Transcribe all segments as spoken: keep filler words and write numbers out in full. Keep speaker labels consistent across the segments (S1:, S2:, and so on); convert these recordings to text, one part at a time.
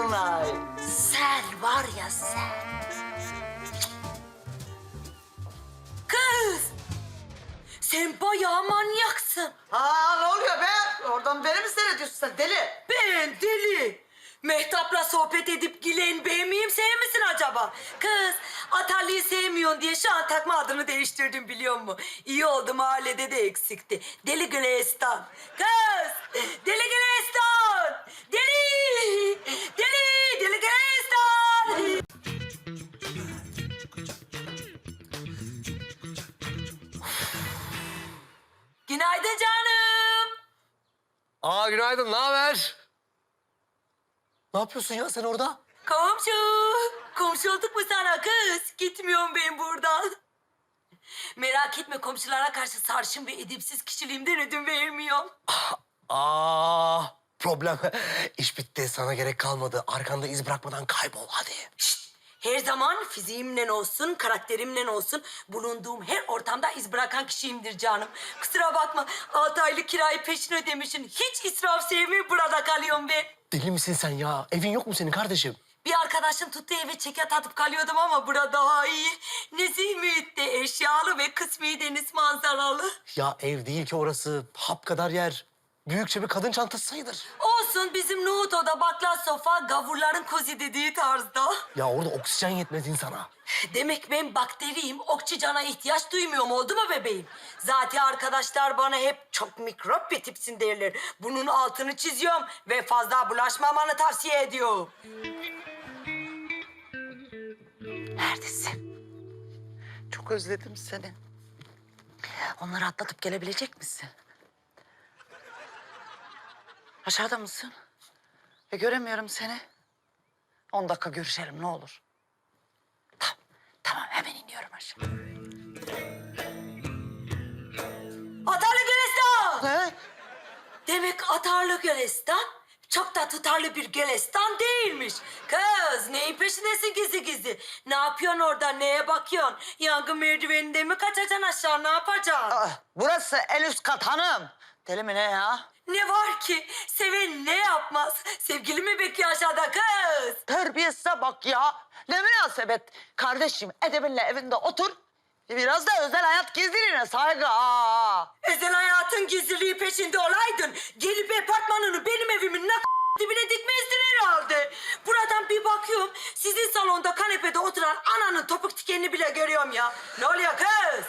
S1: Dolunay. Sen var ya sen.
S2: Kız! Sen bayağı manyaksın.
S1: Aa ne oluyor be? Oradan beni mi seyrediyorsun sen deli?
S2: Ben deli. Mehtap'la sohbet edip gülen ben miyim, sen misin acaba? Kız, Atarlı'yı sevmiyorsun diye şu an takma adını değiştirdim biliyor musun? İyi oldu, mahallede de eksikti. Deli Gülistan. Kız! Deli Gülistan! Deli! Deli! Deli Gülistan! Günaydın canım.
S3: Aa günaydın, ne haber? Ne yapıyorsun ya sen orada?
S2: Komşu. Komşu olduk mu sana kız? Gitmiyorum ben buradan. Merak etme, komşulara karşı sarışın ve edepsiz kişiliğimden ödün vermiyorum.
S3: Aa problem. İş bitti, sana gerek kalmadı. Arkanda iz bırakmadan kaybol hadi.
S2: Şşt! Her zaman fiziğimle olsun, karakterimle olsun bulunduğum her ortamda iz bırakan kişiyimdir canım. Kusura bakma, altı aylık kirayı peşin ödemişsin. Hiç israf sevmiyorum, burada kalıyorum ben.
S3: Deli misin sen ya? Evin yok mu senin kardeşim?
S2: Bir arkadaşın tuttuğu eve çekyat atıp kalıyordum ama burada daha iyi. Nezih mühitte, eşyalı ve kısmi deniz manzaralı.
S3: Ya ev değil ki orası. Hap kadar yer. Büyükçe bir kadın çantası sayılır.
S2: Olsun, bizim nohut oda, bakla sofa, gavurların kozi dediği tarzda.
S3: Ya orada oksijen yetmez insana.
S2: Demek ben bakteriyim, oksijana ihtiyaç duymuyorum, oldu mu bebeğim? Zaten arkadaşlar bana hep çok mikrop bir tipsin derler. Bunun altını çiziyorum ve fazla bulaşmamanı tavsiye ediyorum.
S1: Neredesin? Çok özledim seni. Onları atlatıp gelebilecek misin? Aşağıda mısın? E, göremiyorum seni. On dakika görüşelim ne olur. Tamam, tamam hemen iniyorum aşağı.
S2: Atarlı Gülistan!
S1: Ne?
S2: Demek atarlı Gülistan çok da tutarlı bir Gülistan değilmiş. Kız, neyin peşindesin gizli gizli? Ne yapıyorsun orada, neye bakıyorsun? Yangın merdiveninde mi kaçacaksın aşağı, ne yapacaksın?
S1: Aa, burası en üst kat hanım. Deli mi ne ya?
S2: Ne var ki? Seven ne yapmaz? Sevgili mi bekliyor aşağıda kız?
S1: Terbiyesize bak ya. Ne münasebet. Kardeşim edebinle evinde otur. Biraz da özel hayat gizliliğine saygı. Aa.
S2: Özel hayatın gizliliği peşinde olaydın, gelip apartmanını benim evimin nak dibine dikmezdin herhalde. Buradan bir bakıyorum, sizin salonda kanepede oturan ananın topuk tikenini bile görüyorum ya. Ne oluyor kız?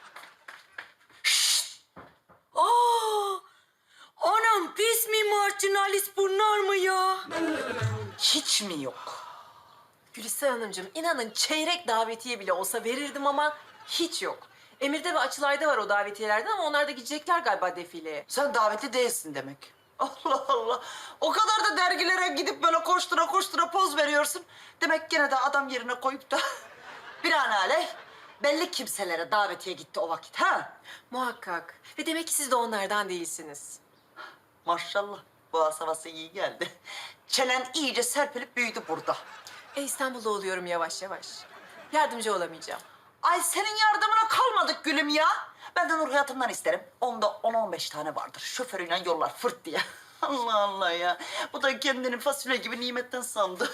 S2: Şşt! Aa! Anam, pis mi marjinalist bunlar mı ya?
S1: Hiç mi yok?
S4: Gülistan Hanımcığım, inanın çeyrek davetiye bile olsa verirdim ama hiç yok. Emir'de ve Açılay'da var o davetiyelerden ama onlar da gidecekler galiba defileye.
S1: Sen davetli değilsin demek. Allah Allah. O kadar da dergilere gidip böyle koştura koştura poz veriyorsun. Demek gene de adam yerine koyup da binaenaleyh belli kimselere davetiye gitti o vakit ha?
S4: Muhakkak. Ve demek ki siz de onlardan değilsiniz.
S1: Maşallah. Boğaz havası iyi geldi. Çenen iyice serpilip büyüdü burada.
S4: E İstanbul'da oluyorum yavaş yavaş. Yardımcı olamayacağım.
S1: Ay senin yardımına kalmadık gülüm ya. Ben de Nur Hayatım'dan isterim. Onda on on beş tane vardır. Şoförüyle yollar fırt diye. Allah Allah ya. Bu da kendini fasulye gibi nimetten sandı.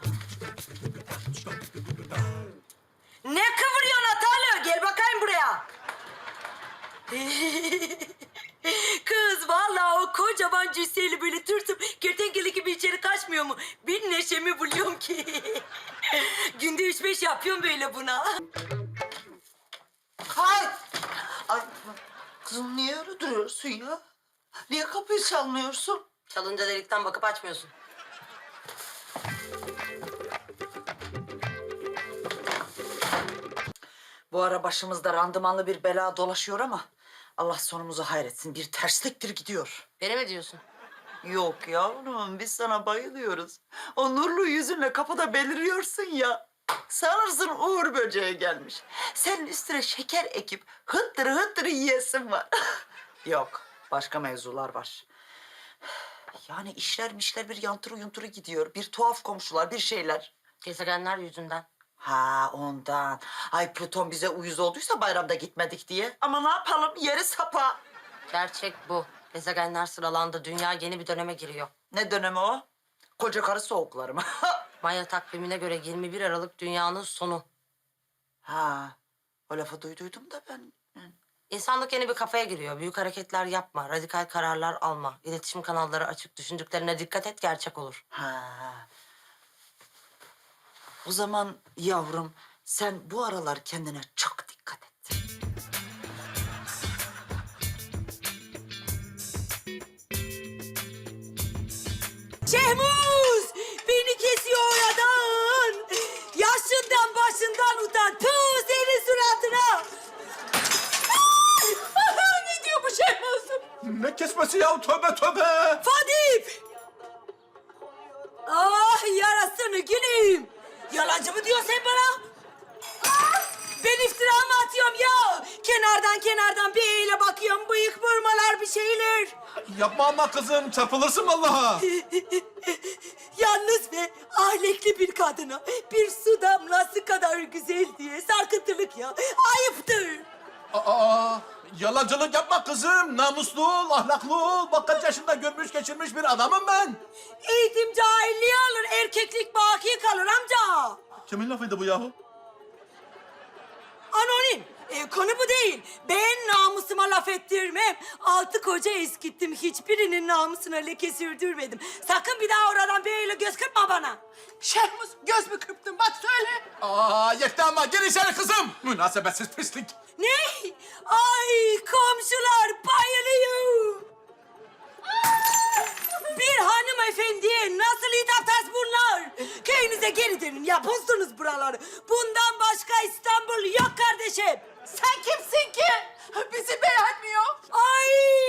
S2: Ne kıvırıyorsun Atarlı? Gel bakayım buraya. Kız, vallahi o kocaman cüsseli böyle tırtıp kertenkele gibi içeri kaçmıyor mu? Bir neşemi buluyorum ki. Günde üç beş yapıyorum böyle buna.
S1: Hay! Ay kızım niye öyle duruyorsun ya? Niye kapıyı çalmıyorsun?
S2: Çalınca delikten bakıp açmıyorsun.
S1: Bu ara başımızda randımanlı bir bela dolaşıyor ama Allah sonumuzu hayretsin. Bir tersliktir gidiyor.
S2: Beni mi diyorsun?
S1: Yok yavrum biz sana bayılıyoruz. O nurlu yüzünle kapıda beliriyorsun ya. Sanırsın Uğur böceği gelmiş. Senin üstüne şeker ekip hıttırı hıttırı yiyesin var. Yok başka mevzular var. Yani işler mişler bir yantırı yunturu gidiyor. Bir tuhaf komşular bir şeyler.
S2: Gezegenler yüzünden.
S1: Ha ondan. Ay Plüton bize uyuz olduysa bayramda gitmedik diye. Ama ne yapalım yeri sapa.
S2: Gerçek bu. Gezegenler sıralandı. Dünya yeni bir döneme giriyor.
S1: Ne dönemi o? Koca karı soğuklarım.
S5: Maya takvimine göre yirmi bir Aralık dünyanın sonu.
S1: Ha, o lafı duyduydum da ben.
S5: İnsanlık yeni bir kafaya giriyor. Büyük hareketler yapma, radikal kararlar alma. İletişim kanalları açık, düşündüklerine dikkat et, gerçek olur.
S1: Ha. O zaman yavrum sen bu aralar kendine çok dikkat et.
S2: Şehmuz! Beni kesiyor oradan. Yaşından başından utan. Tüh senin suratına. Ne diyor bu Şehmuz?
S6: Ne kesmesi ya? Tövbe tövbe!
S2: Fadip! Ah yarasını güleyim. Yalancı mı diyorsun sen bana? Ah, ben iftira mı atıyorum ya? Kenardan kenardan bir eyle bakıyorum. Bıyık vurmalar bir şeyler.
S6: Yapma ama kızım, çarpılırsın vallahi.
S2: Yalnız ve ahlekli bir kadına bir su damlası kadar güzel diye sarkıntılık ya. Ayıptır.
S6: Aa, yalancılık yapma kızım. Namuslu ol, ahlaklı ol. Bak kaç yaşında görmüş geçirmiş bir adamım ben.
S2: Eğitim cahilliği alır, erkeklik baki kalır amca.
S6: Kimin lafıydı bu yahu?
S2: Anonim. E, konu bu değil. Ben namusuma laf ettirmem. Altı koca eskittim. Hiçbirinin namusuna leke sürdürmedim. Sakın bir daha oradan böyle göz kırpma bana.
S4: Şehmuz göz mü kırptın bak söyle.
S6: Aa, yetti ama gir içeri kızım. Münasebetsiz pislik.
S2: Ne? Ay komşular bayılıyor. Bir hanımefendiye nasıl hitap bunlar? Köyünüze geri dönün ya bozdunuz buraları. Bundan başka İstanbul yok kardeşim.
S4: Sen kimsin ki? Bizi beğenmiyor.
S2: Ay!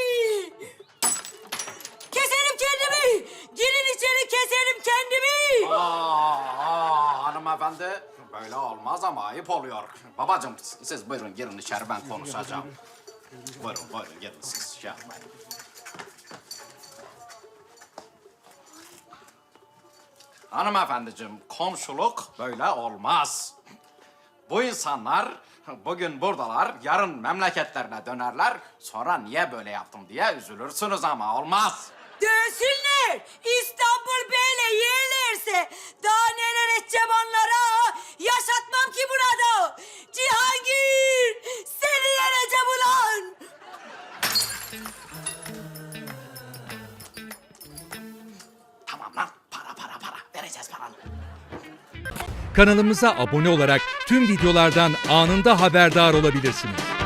S2: Keserim kendimi. Girin içeri keserim kendimi.
S7: Aa, aa, hanımefendi böyle olmaz ama ayıp oluyor. Babacığım siz buyurun girin içeri ben konuşacağım. Buyurun buyurun girin siz şey yapmayın. Hanımefendiciğim komşuluk böyle olmaz. Bu insanlar bugün buradalar, yarın memleketlerine dönerler. Sonra niye böyle yaptım diye üzülürsünüz ama olmaz.
S2: Dönsünler. İstanbul böyle yerlerse daha neler edeceğim onlara. Yaşatmam ki burada. Cihangir seni yeneceğim ulan.
S7: Tamam lan para para para vereceğiz paranı.
S8: Kanalımıza abone olarak tüm videolardan anında haberdar olabilirsiniz.